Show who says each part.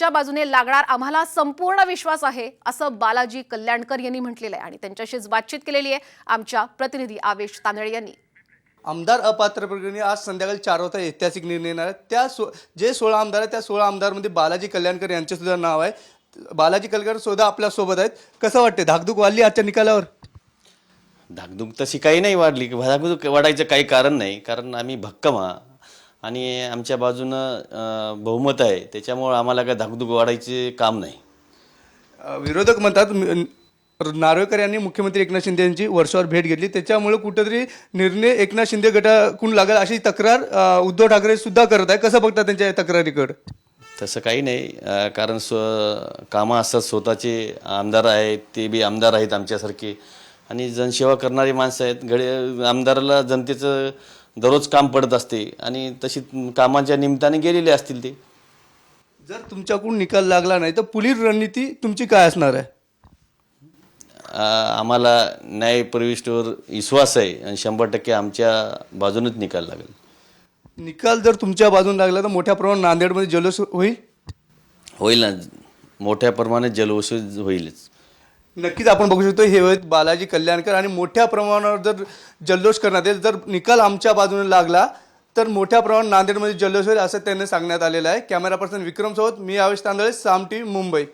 Speaker 1: आमच्या बाजूने लागणार आम्हाला संपूर्ण विश्वास आहे असं बालाजी कल्याणकर यांनी म्हटलेलं आहे आणि त्यांच्याशीच बातचीत केलेली आहे आमच्या प्रतिनिधी आवेश तांदळे यांनी।
Speaker 2: आमदार अपात्र प्रकरणी आज संध्याकाळी 4 वाजता ऐतिहासिक निर्णय येणार आहे। त्या जे 16 आमदार आहेत त्या 16 आमदारमध्ये बालाजी कल्याणकर यांचे सुद्धा नाव आहे। बालाजी कल्याणकर सुद्धा आपल्या सोबत आहेत। कसं वाटते, धाकधूक वाढली आजच्या निकालावर?
Speaker 3: धाकधूक तशी काही नाही वाढली, धाकधूक वाढायचं काही कारण नाही, कारण आम्ही भक्कम आणि आमच्या बाजूनं बहुमत आहे, त्याच्यामुळे आम्हाला काय धाकधूक वाढायचे काम नाही।
Speaker 2: विरोधक म्हणतात नार्वेकर यांनी मुख्यमंत्री एकनाथ शिंदे यांची वर्षावर भेट घेतली, त्याच्यामुळे कुठेतरी निर्णय एकनाथ शिंदे गटाकडून लागेल अशी तक्रार उद्धव ठाकरे सुद्धा करत आहे। कसं बघतात त्यांच्या तक्रारीकडे?
Speaker 3: तसं काही नाही, कारण कामं असतात, स्वतःचे आमदार आहेत, ते बी आमदार आहेत आमच्यासारखे आणि जनसेवा करणारी माणसं आहेत। आमदाराला जनतेचं दररोज काम पडत असते आणि तशी कामाच्या निमित्ताने गेलेले असतील ते।
Speaker 2: जर तुमच्याकडून निकाल लागला नाही तर पुढील रणनीती तुमची काय असणार आहे?
Speaker 3: आम्हाला न्याय प्रविष्टीवर विश्वास आहे आणि 100% आमच्या बाजूनच निकाल लागेल।
Speaker 2: निकाल जर तुमच्या बाजून लागला तर मोठ्या प्रमाणात नांदेडमध्ये जल्लोष होईल
Speaker 3: ना, मोठ्या प्रमाणात जल्लोष होईलच।
Speaker 2: नक्कीच आपण बघू शकतो हे आहेत बालाजी कल्याणकर आणि मोठ्या प्रमाणावर जर जल्लोष करण्यात येईल, जर निकाल आमच्या बाजूने लागला तर मोठ्या प्रमाणात नांदेडमध्ये जल्लोष होईल असं त्यांनी सांगण्यात आलेलं आहे। कॅमेरा पर्सन विक्रम सोबत मी आवेश तांदळे, साम टीव्ही, मुंबई।